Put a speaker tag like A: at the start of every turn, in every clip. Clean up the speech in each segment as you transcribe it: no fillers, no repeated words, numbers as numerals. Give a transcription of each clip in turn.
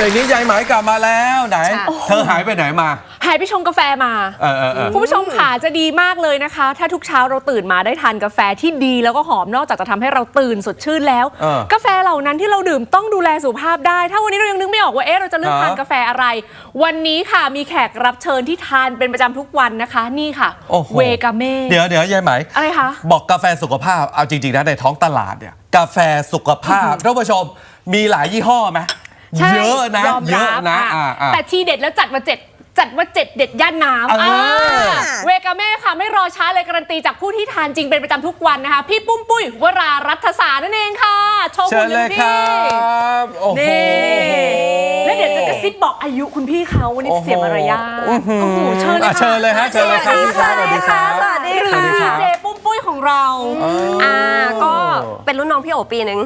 A: บรกนี้ยายไหมกลับมาแล้วไหนเธอหายไปไหนมา
B: หายไปชงกาแฟมาคุณผู้ชมค่ะจะดีมากเลยนะคะถ้าทุกเช้าเราตื่นมาได้ทานกาแฟที่ดีแล้วก็หอมนอกจากจะทำให้เราตื่นสดชื่นแล้วกาแฟเหล่านั้นที่เราดื่มต้องดูแลสุขภาพได้ถ้าวันนี้เรายังนึกไม่ออกว่าเราจะเลือกทานกาแฟอะไรวันนี้ค่ะมีแขกรับเชิญที่ทานเป็นประจำทุกวันนะคะนี่ค่ะเวกาเม่
A: เดี๋ยวยายไหม
B: อะไรคะ
A: บอกกาแฟสุขภาพเอาจริงๆนะในท้องตลาดเนี่ยกาแฟสุขภาพท่านผู้ชมมีหลายยี่ห้อไหมเยอะนะเยอะนะ
B: แต่ทีเด็ดแล้วจัดว่าเด็ดย่านน้ำเวกาเม่ค่ะไม่รอช้าเลยการันตีจากผู้ที่ทานจริงเป็นประจำทุกวันนะคะพี่ปุ้มปุ้ยวรารัฐศาสตร์นั่นเองค่ะโชว์คุณเลยครับนี่แล้วเดี๋ยวจะกระซิบบอกอายุคุณพี่เขาวันนี้เสียมารยาทเ
A: ชิญเลยฮะเชิญเลยครับ
C: สวัสดีค่ะสวัสดีค่ะ
B: เจปุ้มปุ้ยของเรา
C: ก็เป็นรุ่นน้องพี่โอปีนึง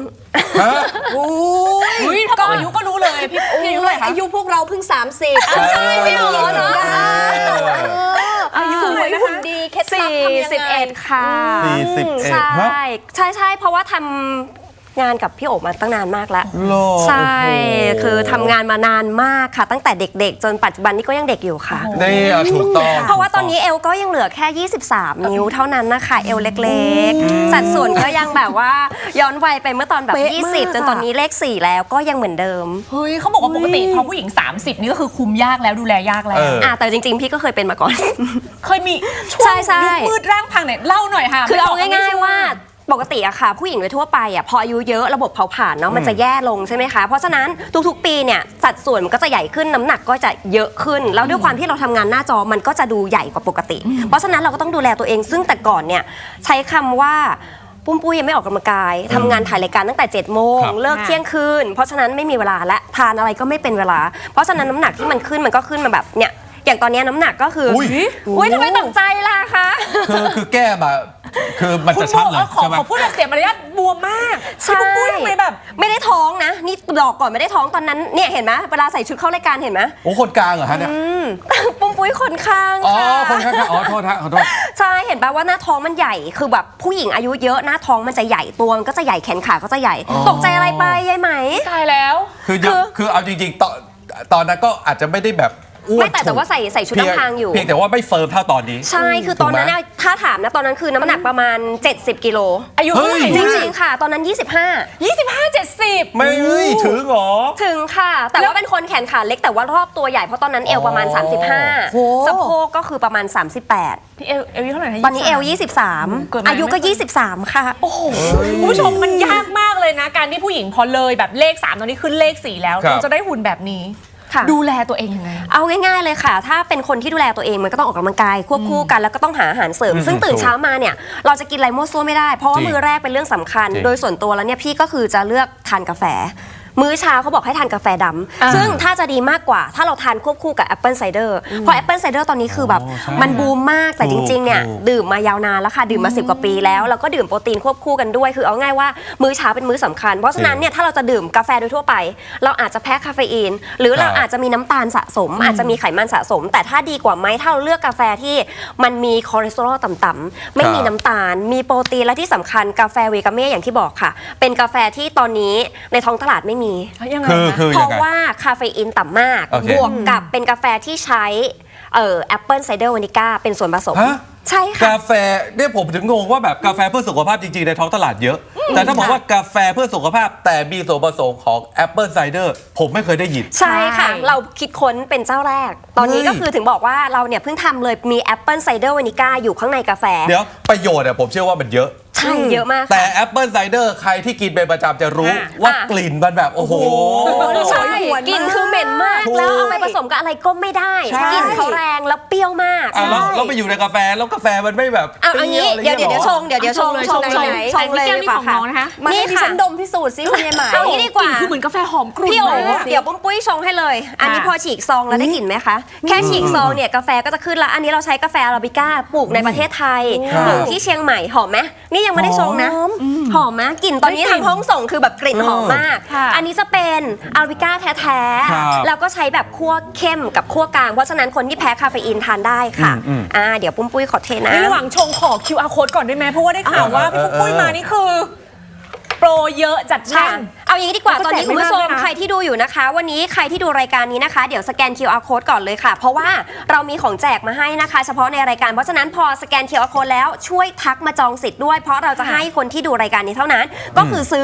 B: ถ้าบอกอายุก็รู้เลยพี่อายุเท่าไหร่คะ
C: อายุพวกเราเพิ่ง30ใช่พี่โอเนาะอายุสวยหุ่นดีเคล็ดลับทำยังไง
B: 41ค่ะ
C: ใช่เพราะว่าทำงานกับพี่โอ๋มาตั้งนานมากแล้วใช่คือทำงานมานานมากค่ะตั้งแต่เด็กๆจนปัจจุบันนี้ก็ยังเด็กอยู่ค่ะ
A: นี่ถูกต้อง
C: เพราะว่าตอนนี้เอวก็ยังเหลือแค่23นิ้วเท่านั้นนะคะเอวเล็กๆสัดส่วนก็ยังแบบว่าย้อนวัยไปเมื่อตอนแบบ20จนตอนนี้เลข4แล้วก็ยังเหมือนเดิม
B: เฮ้ยเขาบอกว่าปกติพอผู้หญิง30นี่ก็คือคุมยากแล้วดูแลยากแล้ว
C: แต่จริงๆพี่ก็เคยเป็นมาก่อน
B: เคยมีช่วงยุคมืดร่างพังเนี่ยเล่าหน่อยค่ะ
C: คือเอาง่ายๆว่าปกติอะค่ะผู้หญิงโดยทั่วไปอะพออายุเยอะระบบเผาผลาญเนาะมันจะแย่ลงใช่ไหมคะเพราะฉะนั้นทุกๆปีเนี่ยสัดส่วนมันก็จะใหญ่ขึ้นน้ำหนักก็จะเยอะขึ้นแล้วด้วยความที่เราทำงานหน้าจอมันก็จะดูใหญ่กว่าปกติเพราะฉะนั้นเราก็ต้องดูแลตัวเองซึ่งแต่ก่อนเนี่ยใช้คำว่าปุ้มปุ้ยยังไม่ออกกำลังกายทำงานถ่ายรายการตั้งแต่7 โมงเลิกเที่ยงคืนเพราะฉะนั้นไม่มีเวลาและทานอะไรก็ไม่เป็นเวลาเพราะฉะนั้นน้ำหนักที่มันขึ้นมันก็ขึ้นมาแบบเนี่ยอย่างตอนนี้น้ำหนักก็คืออุ้ยทำไมตกใจล่ะคะ
A: คือแก้มาคือมันจะชัดเลย
B: ใช่ไหมขอพูดแบบเสียมารยาทบวมมาก
C: ใช่
B: ปุ้ยทำไมแบบ
C: ไม่ได้ท้องนะนี่บอกก่อนไม่ได้ท้องตอนนั้นเนี่ยเห็นไหมเวลาใส่ชุดเข้ารายการเห็นไหม
A: โอ้คนกลางเหรอฮะเนี่ย
C: ปุ้มปุ้ยคนข้าง
A: ค่ะคนข้างอ๋อโทษฮะขอโทษ
C: ใช่เห็นป่ะว่าหน้าท้องมันใหญ่คือแบบผู้หญิงอายุเยอะหน้าท้องมันจะใหญ่ตัวมันก็จะใหญ่แขนขาก็จะใหญ่ตกใจอะไรไปยายไหม
B: ตายแล้ว
A: คือเอาจริงๆตอนนั้นก็อาจจะไม่ได้แบบ
C: ไม่แต่ว่าใส่ชุดน้ำพางอยู่
A: เพียงแต่ว่าไม่เฟิร์มเท่าตอนนี้
C: ใช่คือตอนนั้นถ้าถามนะตอนนั้นคือน้ำหนักประมาณ70 กิโล
B: อายุเท่าไหร่
C: จริงๆค่ะตอนนั้น
B: 70
A: ไม่ถึงหรอ
C: ถึงค่ะแต่ว่าเป็นคนแขนขาเล็กแต่ว่ารอบตัวใหญ่เพราะตอนนั้นเอวประมาณ35สะโพกก็คือประมาณ38
B: พี่เอวเท่าไหร่นะ
C: ตอนนี้เอว23อายุก็23ค่ะ
B: โอ้โหคุณผู้ชมมันยากมากเลยนะการที่ผู้หญิงพอเลยแบบเลข3ตอนนี้ขึ้นเลข4แล้วเราจะได้หุ่นแบบนี้ดูแลตัวเองยังไง
C: เอาง่ายๆเลยค่ะถ้าเป็นคนที่ดูแลตัวเองมันก็ต้องออกกำลังกายควบคู่กันแล้วก็ต้องหาอาหารเสริมซึ่งตื่นเช้ามาเนี่ยเราจะกินอะไรมั่วซั่วไม่ได้เพราะว่ามื้อแรกเป็นเรื่องสำคัญโดยส่วนตัวแล้วเนี่ยพี่ก็คือจะเลือกทานกาแฟมื้อเช้าเขาบอกให้ทานกาแฟดำซึ่งถ้าจะดีมากกว่าถ้าเราทานควบคู่กับแอปเปิลไซเดอร์เพราะแอปเปิลไซเดอร์ตอนนี้คือแบบมันบูมมากแต่จริงๆเนี่ยดื่มมายาวนานแล้วค่ะดื่มมา10 กว่าปีแล้วก็ดื่มโปรตีนควบคู่กันด้วยคือเอาง่ายว่ามื้อเช้าเป็นมื้อสำคัญเพราะฉะนั้นเนี่ยถ้าเราจะดื่มกาแฟโดยทั่วไปเราอาจจะแพ้คาเฟอีนหรือเราอาจจะมีน้ำตาลสะสมอาจจะมีไขมันสะสมแต่ถ้าดีกว่าไหมถ้าเราเลือกกาแฟที่มันมีคอเลสเตอรอลต่ำๆไม่มีน้ำตาลมีโปรตีนและที่สำคัญกาแฟเวกาเม่อย่างที่บอกค่ะเป็นกาแฟที่ตอนนี้ในท้องตลาดไม่มีเพราะว่าคาเฟอีนต่ำมากบวกกับเป็นกาแฟที่ใช้แอปเปิลไซเดอร์วานิก้าเป็นส่วนผสมใช่ค่ะ
A: กาแฟเนี่ยผมถึงงงว่าแบบกาแฟเพื่อสุขภาพจริงๆในท้องตลาดเยอะแต่ถ้าบอกว่ากาแฟเพื่อสุขภาพแต่มีส่วนผสมของแอปเปิลไซเดอร์ผมไม่เคยได้ยิน
C: ใช่ค่ะเราคิดค้นเป็นเจ้าแรกตอนนี้ก็คือถึงบอกว่าเราเนี่ยเพิ่งทำเลยมีแอปเปิลไซเดอร์วานิก้าอยู่ข้างในกาแฟ
A: เดี๋ยวประโยชน์เนี่ยผมเชื่อว่ามันเยอะ
C: ใช่เยอะมาก
A: แต่แอปเปิลไซเดอร์ใครที่กินเป็นประจำจะรู้ว่ากลิ่นมันแบบโอ้โห
C: ใช่กลิ่นคือเหม็นมากแล้วเอาไปผสมกับอะไรก็ไม่ได้กลิ่นเขาแรงแล้วเปรี้ยวมาก
A: แล้วไปอยู่ในกาแฟแล้วกาแฟมันไม่แบบ
C: เอางี้เดี๋ยวชงเลย
B: ดีกว่าค่ะ
C: นี่ค่ะฉันดมพิสูจน์ซิคุณยายหมายเอางี้ดีกว่า
B: คือเหมือนกาแฟหอมกรุ่น
C: พี่โอ๋เดี๋ยวปุ้มปุ้ยชงให้เลยอันนี้พอฉีกซองแล้วได้กลิ่นไหมคะแค่ฉีกซองเนี่ยกาแฟก็จะขึ้นแล้วอันนี้เราใช้กาแฟอาราบิก้าปลูกในประเทศไทยปลูกที่เชียงใหม่หอมไหมนี่ยังไม่ได้ชงนะหอมมากกลิ่นตอนนี้ทางห้องส่งคือแบบกลิ่นหอมมากอันนี้จะเป็นอาราบิก้าแท้ๆแล้วก็ใช้แบบคั่วเข้มกับคั่วกลางเพราะฉะนั้นคนที่แพ้คาเฟอีนทานได้ค่ะเดี๋ยวปุ้มปุ้ยขอเทนะ
B: ระหว่างชงขอ QR code ก่อนได้ไหมเพราะว่าได้ข่าวว่าพี่ปุ้มปุ้ยมานี่คือโปรเยอะจัดแน่น
C: เอาอย่างนี้ดีกว่า
B: แล้วก็
C: ตอนนี้
B: แจก
C: คุณผู้ช
B: ไม่
C: ม
B: มากด้วยนะ
C: ใครที่ดูอยู่นะคะ วันนี้ใครที่ดูรายการนี้นะคะเดี๋ยวสแกน QR code ก่อนเลยค่ะ เพราะว่าเรามีของแจกมาให้นะคะ เฉพาะในรายการเพราะฉะนั้นพอสแกน QR code แล้วช่วยทักมาจองสิทธิ์ด้วยเพราะเราจะให้คนที่ดูรายการนี้เท่านั้น ก็คือซื้อ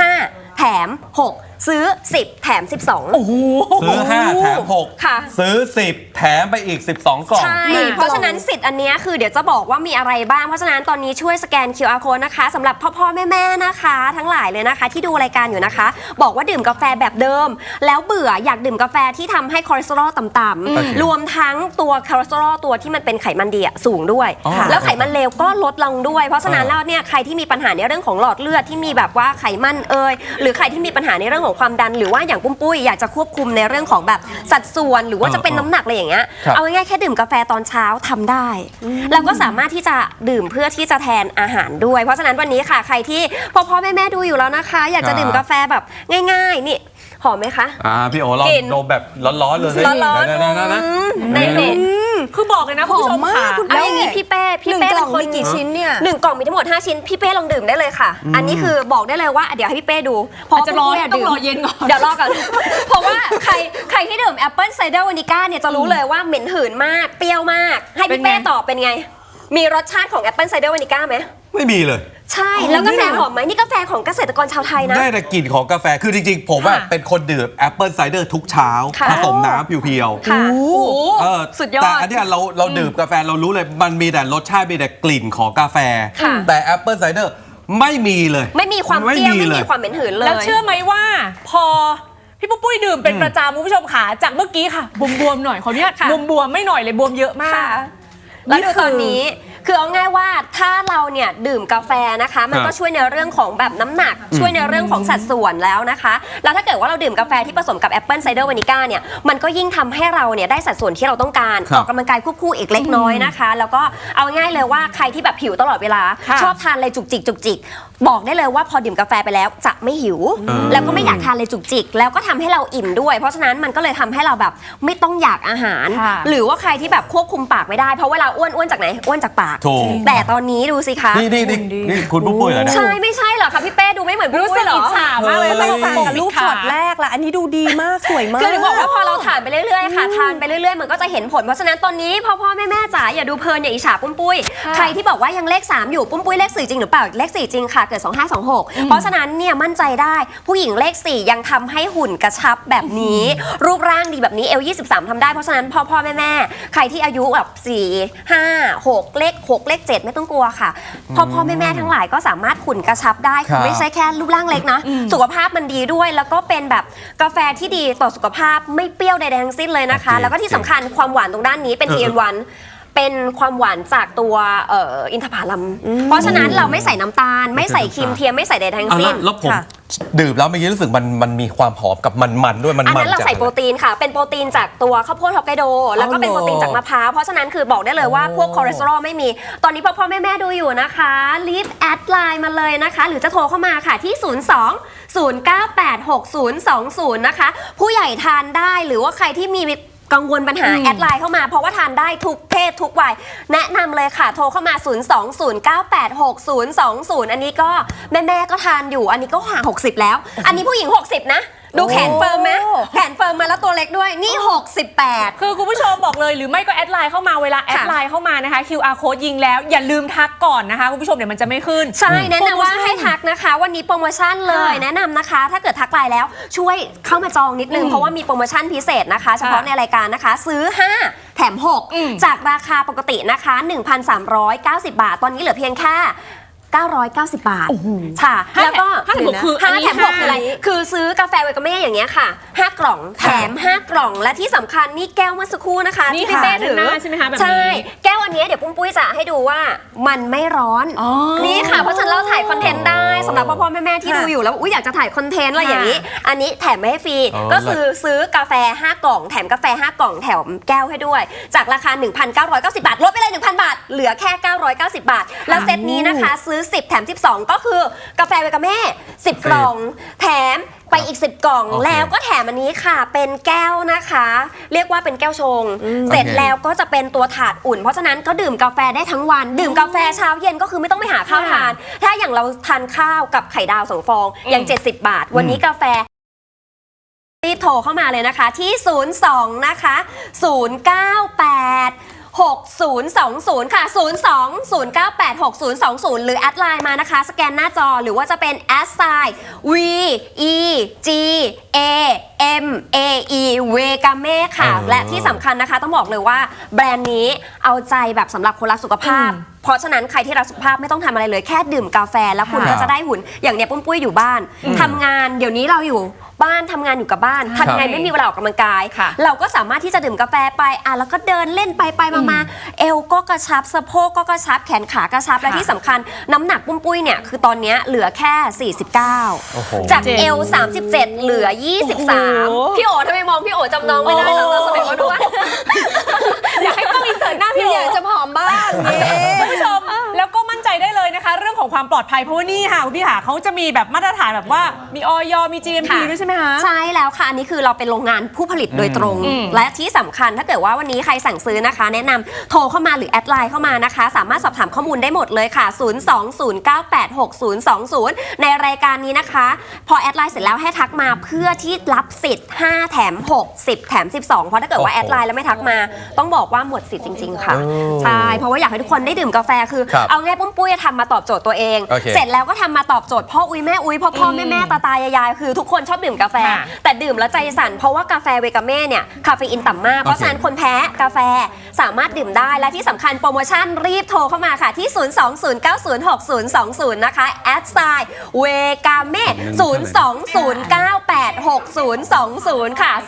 C: 5 แถม 6 ซื้อ 10 แถม 12
B: โอ้โห
A: ซื้อ 5 แถม
C: ค่ะ
A: 6 ซื้อ 10 แถมไปอีก 12 กล่อง
C: ใช่ เพราะฉะนั้นสิทธิ์อันเนี้ยคือเดี๋ยวจะบอกว่ามีอะไรบ้าง เพราะฉะนั้นตอนนี้ช่วยสแกน QR code นะคะสำหรับพ่อแม่นะคะ ทั้งหลายเลยนะคะ ที่ดูรายการอยู่นะคะ บอกว่าดื่มกาแฟแบบเดิม แล้วเบื่ออยากดื่มกาแฟที่ทำให้คอเลสเตอรอลต่ำๆรวมทั้งตัวคอเลสเตอรอลตัวที่มันเป็นไขมันดีอะสูงด้วย
A: อ๋อ
C: แล้วไขมันเลวก็ลดลงด้วย เพราะฉะนั้นแล้วเนี่ยใครที่มีปัญหาในเรื่องของหลอดเลือดที่มีแบบว่าไขมันหรือใครที่มีปัญหาในเรื่องของความดันหรือว่าอย่างปุ้ยอยากจะควบคุมในเรื่องของแบบสัดส่วนหรือว่าจะเป็นน้ำหนักอะไรอย่างเงี้ย
A: ครับ
C: เอาง่ายๆแค่ดื่มกาแฟตอนเช้าทำได้ แล้วก็สามารถที่จะดื่มเพื่อที่จะแทนอาหารด้วย เพราะฉะนั้นวันนี้ค่ะใครที่พ่อแม่ดูอยู่แล้วนะคะ อยากจะดื่มกาแฟแบบง่ายๆนี่หอมไหมคะ
A: พี่โอลอง
C: กิน
A: ดมแบบร้อนๆเลย
C: ร้อนๆ
A: นะ
C: ในเน็ต
B: คือบอกเลยนะคุณผู้ชมค่ะ
C: แล้วอย่างนี้พี่เป้
D: หนึ่งกล่องมีกี่ชิ้นเนี่ย
C: หนึ่งกล่องมีทั้งหมด 5 ชิ้นพี่เป้ลองดื่มได้เลยค่ะ อันนี้คือบอกได้เลยว่าเดี๋ยวให้พี่เป้ดู
B: อาจจะรอ
C: ปุ้ย
B: ต้องรอ
C: ดื่ม
B: เย็นก่อน
C: เดี๋ยวรอก่อน เพราะว่าใครที่ดื่มแอปเปิลไซเดอร์วานิก้าเนี่ยจะรู้เลยว่าเหม็นหืนมากเปรี้ยวมาก ให้
B: เป็น
C: พี่
B: ไง
C: เป้ตอบเป็นไง มีรสชาติของแอปเปิลไซเดอร์วานิก้าไหม
A: ไม่มีเลย
C: ใช่แล้วกาแฟหอมไหมนี่กาแฟของเกษตรกรชาวไทยนะ
A: ได้แต่กลิ่นของกาแฟ คือจริงๆ ผมว่า
B: ค่ะ
A: เป็นคนดื่มแอปเปิลไซเดอร์ทุกเช้า
C: ค่ะ
A: ผสมน้ำเพียว
C: ค่ะ
B: โอ้โห
A: ๆเออ
C: สุดยอด
A: แต่อันเนี้ยเราดื่มกาแฟเรารู้เลย มันมีแต่รสชาติมีแต่กลิ่นของกาแฟ
C: ค่ะ
A: แต่แอปเปิลไซเดอร์ไม่มีเลย
C: ไม่มีความเปรี้ยวไม่
A: เล
C: มี
A: ย
C: ความเหม็นหืนเลย
B: แล้วเชื่อไหมว่าพอพี่ปุ้ยดื่มเป็นประจำคุณผู้ชมขาจากเมื่อกี้ค่ะบวมๆหน่อยขออนุญาต
C: ค่ะ
B: บวมๆไม่หน่อยเลยบวมเยอะมาก
C: ค่ะแล้วดูตอนนี้คือเอาง่ายว่าถ้าเราเนี่ยดื่มกาแฟนะคะ มันก็ช่วยในเรื่องของแบบน้ำหนัก ช่วยในเรื่องของสัดส่วนแล้วนะคะ แล้วถ้าเกิดว่าเราดื่มกาแฟที่ผสมกับแอปเปิลไซเดอร์วานิก้าเนี่ยมันก็ยิ่งทำให้เราเนี่ยได้สัดส่วนที่เราต้องการ
A: ครับ
C: ออกกำลังกายควบคู่อีกเล็กน้อยนะคะ แล้วก็เอาง่ายเลยว่าใครที่แบบหิวตลอดเวลา
B: ค่ะ
C: ชอบทานอะไรจุกจิกบอกได้เลยว่าพอดื่มกาแฟไปแล้วจะไม่หิว แล้วก็ไม่อยากทานอะไรจุกจิกแล้วก็ทำให้เราอิ่มด้วย เพราะฉะนั้นมันก็เลยทำให้เราแบบไม่ต้องอยากอาหาร
B: ค่ะ
C: หรือว่าใครที่แบบควบคุมปากไม่ได้เพราะเวลาอ้วนจากไหนอ้วนจากปาก
A: ถูก
C: แต่ตอนนี้ดูสิคะ
A: นี่คุณปุ้ยเหรอเนี่ย
C: ใช่ไม่ใช่เหรอคะพี่เป้ดูไม่เหมือน
B: รู้
C: ปุ้
B: สึ
C: ย
B: ก
C: เหร
B: อิ
C: อ
B: จฉามากเลย
D: ไม่
B: ต้อง
D: ต่างกับรูปช็อตแรกละอันนี้ดูดีมากสวยมาก
C: คือถึงบอกว่าพอเราทานไปเรื่อยๆค่ะทานไปเรื่อยๆมันก็จะเห็นผลเพราะฉะนั้นตอนนี้พ่อแม่จ๋าอย่าดูเพลินอย่าอิจฉาปุ้ย
B: ค่ะ
C: ใครที่บอกว่ายังเลข 3 อยู่ปุ้ยเลข 4 จริงหรือเปล่าเลข 4 จริงค่ะเกิด 2526 เพราะฉะนั้นเนี่ยมั่นใจได้ผู้หญิงเลข 4 ยังทำให้หุ่นกระชับแบบนี้ รูปร่างดีแบบนี้เอล23ทำได้เพราะฉะนั้นพ่อแม่ใครที่อายุแบบ4 5 6เลข6เลข7ไม่ต้องกลัวค่ะพ่อแม่ทั้งหลายก็สามารถหุ่นกระชับได้
A: ครับ
C: ไม่ใช่แค่รูปร่างเล็กนะสุขภาพมันดีด้วย แล้วก็เป็นแบบกาแฟที่ดีต่อสุขภาพไม่เปรี้ยวใดๆทั้งสิ้นเลยนะคะ
A: โอเค
C: แล้วก็ที่สำคัญความหวานตรงด้านนี้เป็น TN1 เป็นความหวานจากตัวอินทผลัมเพราะฉะนั้นเราไม่ใส่น้ำตาล ไม่ใส่ครีมเทียมไม่ใส่ใดๆทั้ง
A: อ่ะ
C: สิ้น
A: แล้วผม
C: ค่ะ
A: ดื่มแล้วเมื่อกี้รู้สึกมันมีความหอมกับมันด้วยมัน
C: อันนั้นเรา
A: จาก
C: ใส่โปรตีนค่ะ เป็นโปรตีนจากตัวข้าวโพดฮอกไกโด แล้วก็เป็นโปรตีนจากมะพร้าว เพราะฉะนั้นคือบอกได้เลยว่าพวกคอเลสเตอรอลไม่มี ตอนนี้พ่อแม่ดูอยู่นะคะรีบแอดไลน์มาเลยนะคะ หรือจะโทรเข้ามาค่ะที่ 02-098-6020 นะคะ ผู้ใหญ่ทานได้หรือว่าใครที่มีกังวลปัญหาแอดไลน์เข้ามาเพราะว่าทานได้ทุกเพศทุกวัยแนะนำเลยค่ะ โทรเข้ามา 020986020 อันนี้ก็แม่ก็ทานอยู่ อันนี้ก็ห่าง60 แล้ว อันนี้ผู้หญิง 60 นะ ดูแขนเฟิร์มไหมแขนเฟิร์มมาแล้วตัวเล็กด้วยนี่ 68
B: คือคุณผู้ชมบอกเลยหรือไม่ก็แอดไลน์เข้ามาเวลาแอดไลน์เข้ามานะคะ QR code ยิงแล้วอย่าลืมทักก่อนนะคะคุณผู้ชมเดี๋ยวมันจะไม่ขึ้น
C: ใช่แนะนำว่า
B: โปรโมชั่น
C: ให้ทักนะคะ วันนี้โปรโมชั่นเลย
B: ค่ะ
C: แนะนำนะคะ ถ้าเกิดทักไลน์แล้วช่วยเข้ามาจองนิดนึงเพราะว่ามีโปรโมชั่นพิเศษนะคะ เฉพาะในรายการนะคะ ซื้อ 5 แถม 6 จากราคาปกตินะคะ 1,390 บาท ตอนนี้เหลือเพียงแค่ 990 บาทค่ะ
B: ห้า
C: แล้วก็
B: ห้าแถมหกคืออันนี้
C: 5 แถม 6 คืออะไร
B: ห้า
C: คือซื้อกาแฟเวกาเม่อย่างเงี้ยค่ะ 5 กล่องแถม 5 กล่องและที่สำคัญนี่แก้วเมื่อสักครู่นะคะ
B: นี่
C: ที่พี่
B: ค่ะ
C: เป้ถือ
B: ด้านหน้าใช่ไหมคะแบบนี้
C: ใช่แก้วอันเนี้ยเดี๋ยวปุ้ยจะให้ดูว่ามันไม่ร้อน
B: อ๋อ
C: นี่ค่ะเพราะฉะนันเราถ่ายคอนเทนต์ได้สำหรับพ่อแม่ที่ดูอยู่แล้วอยากจะถ่ายคอนเทนต์อะไรอย่างนี้ อันนี้แถมไม่ให้ฟรี
A: อ๋อ
C: ก็คือซื้อกาแฟ 5 กล่องแถมกาแฟ 5 กล่องแถมแก้วให้ด้วย จากราคา 1,990 บาทลดไปเลย 1,000 บาท เหลือแค่ 990 บาท แล้วเซตนี้นะคะซื้อ 10 แถม 12 ก็คือกาแฟเวกาเม่ 10 กล่อง แถมไปอีก 10 กล่อง
A: โอเค
C: แล้วก็แถมอันนี้ค่ะ เป็นแก้วนะคะ เรียกว่าเป็นแก้วชง เสร็จ
A: โอเค
C: แล้วก็จะเป็นตัวถาดอุ่น เพราะฉะนั้นก็ดื่มกาแฟได้ทั้งวัน ดื่มกาแฟเช้าเย็นก็คือไม่ต้องไปหาข้าวทาน ถ้าอย่างเราทานข้าวกับไข่ดาว2 ฟองอย่าง70 บาท วันนี้กาแฟรีบโทรเข้ามาเลยนะคะที่ 02 นะคะ 098 6020 ค่ะ 02 098 6020 หรือแอดไลน์มานะคะ สแกนหน้าจอหรือว่าจะเป็นแอดไซน์ V E G A M A E เวกาเม่ค่ะ และที่สำคัญนะคะต้องบอกเลยว่าแบรนด์นี้เอาใจแบบสำหรับคนรักสุขภาพ เพราะฉะนั้นใครที่รักสุขภาพไม่ต้องทำอะไรเลยแค่ดื่มกาแฟแล้วคุณ
A: ครั
C: ก็
A: บ
C: จะได้หุ่นอย่างเนี้ยปุ้มปุ้ยอยู่บ้านทำงานเดี๋ยวนี้เราอยู่บ้านทำงานอยู่กับบ้านทำไงไม่มีเวลาออกกำลังกาย
B: ค่ะ
C: เราก็สามารถที่จะดื่มกาแฟไปแล้วก็เดินเล่นไปมาเอวก็กระชับสะโพกก็กระชับแขนขากระชับและที่สำคัญน้ำหนักปุ้มปุ้ยเนี่ยคือตอนเนี้ยเหลือแค่
A: โอ้โห
C: 49 จากเอว 37 เหลือ 23 พี่โอ๋ทำไมมองพี่โอ๋จำน้องไม่ได้แล้วเราสมัยเขาด้วย
B: อยากให้กล้องอินเสิร์ตหน้าพี่
D: อยากจะผอมบ้างนี่
B: คุณผู้ชมแล้วก็มั่นใจได้เลยนะคะ เรื่องของความปลอดภัยเพราะว่านี่ค่ะคุณพี่หาเขาจะมีแบบมาตรฐานแบบว่ามีออยมี GMP
C: ค่ะ
B: ด้วยใช่ไหมคะ
C: ใช่แล้วค่ะ อันนี้คือเราเป็นโรงงานผู้ผลิตโดยตรง และที่สำคัญถ้าเกิดว่าวันนี้ใครสั่งซื้อนะคะ แนะนำโทรเข้ามาหรือแอดไลน์เข้ามานะคะ สามารถสอบถามข้อมูลได้หมดเลยค่ะ 020986020 ในรายการนี้นะคะ พอแอดไลน์เสร็จแล้วให้ทักมาเพื่อที่รับสิทธิ์5 แถม 6 10 แถม 12 เพราะถ้าเกิดว่าแอดไลน์แล้วไม่ทักมา ต้องบอกว่าหมดสิทธิ์จริง ๆ ค่ะ ใช่เพราะว่าอยากให้ทุกคนได้ดื่มกาแฟคือ
A: ครับ
C: เอาง่ายปุ้มปุ้ยทำมาตอบโจทย์ตัวเอง
A: โอเค
C: เสร็จแล้วก็ทำมาตอบโจทย์พ่ออุ้ยแม่อุ้ยพ่อแม่ตา ยายคือทุกคนชอบดื่มกาแฟ
B: ค่ะ
C: แต่ดื่มแล้วใจสั่นเพราะว่ากาแฟเวกาเม่เนี่ยคาเฟอีนต่ำมาก เพราะฉะนั้นคนแพ้กาแฟสามารถดื่มได้และที่สำคัญโปรโมชั่นรีบโทรเข้ามาค่ะที่ 020906020 นะคะแอดไซน์เวกาเม่020986020 ค่ะ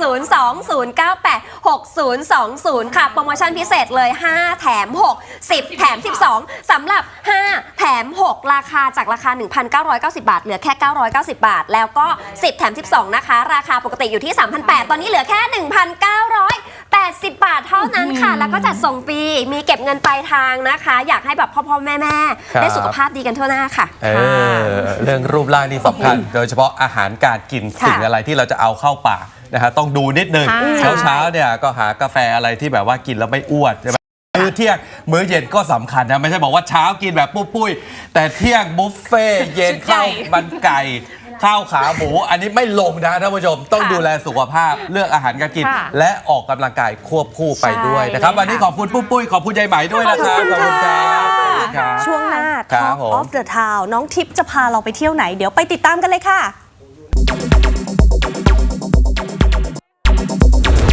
C: 020986020 ค่ะ โปรโมชั่นพิเศษเลย 5 แถม 6 10 แถม 12 สำหรับ 5 แถม 6 ราคาจากราคา 1,990 บาท เหลือแค่ 990 บาท แล้วก็ 10 แถม 12 นะคะ ราคาปกติอยู่ที่ 3,800 ตอนนี้เหลือแค่ 1,980 บาทเท่านั้นค่ะ แล้วก็จัดส่งฟรี มีเก็บเงินปลายทางนะคะ อยากให้แบบพ่อแม่
A: ครับ
C: ได้สุขภาพดีกันทั่วหน้าค่ะ
A: เรื่องรูปร่างนี่สำคัญ โดยเฉพาะอาหารการกิน
C: ค่ะ
A: สิ่งอะไรที่เราจะเอาเข้าปากนะฮะต้องดูนิดนึง
B: ใช่
A: เช้าเนี่ยก็หากาแฟอะไรที่แบบว่ากินแล้วไม่อ้วนใช่ไหมมื้อเที่ยงมื้อเย็นก็สำคัญนะไม่ใช่บอกว่าเช้ากินแบบปุ้ยๆแต่เที่ยงบุฟเฟ่ต์เย็น
B: ชุดใหญ่
A: ข้าวมันไก่ข้าวขาหมูอันนี้ไม่ลงนะท่านผู้ชมต้องดูแลสุขภาพเลือกอาหารการกิน
B: ค่ะ
A: และออกกำลังกายควบคู่ไปด้วยนะครับ
B: ใช่
A: วันนี้ขอบคุณปุ้ยๆขอบคุณยายไหมด้วยนะครับ
D: ขอบคุณค่ะ
A: ครับ
D: ช่วงหน้า
A: ครับ
D: Talk
A: ผม
D: of the Town น้องทิพย์จะพาเราไปเที่ยวไหน เดี๋ยวไปติดตามกันเลยค่ะ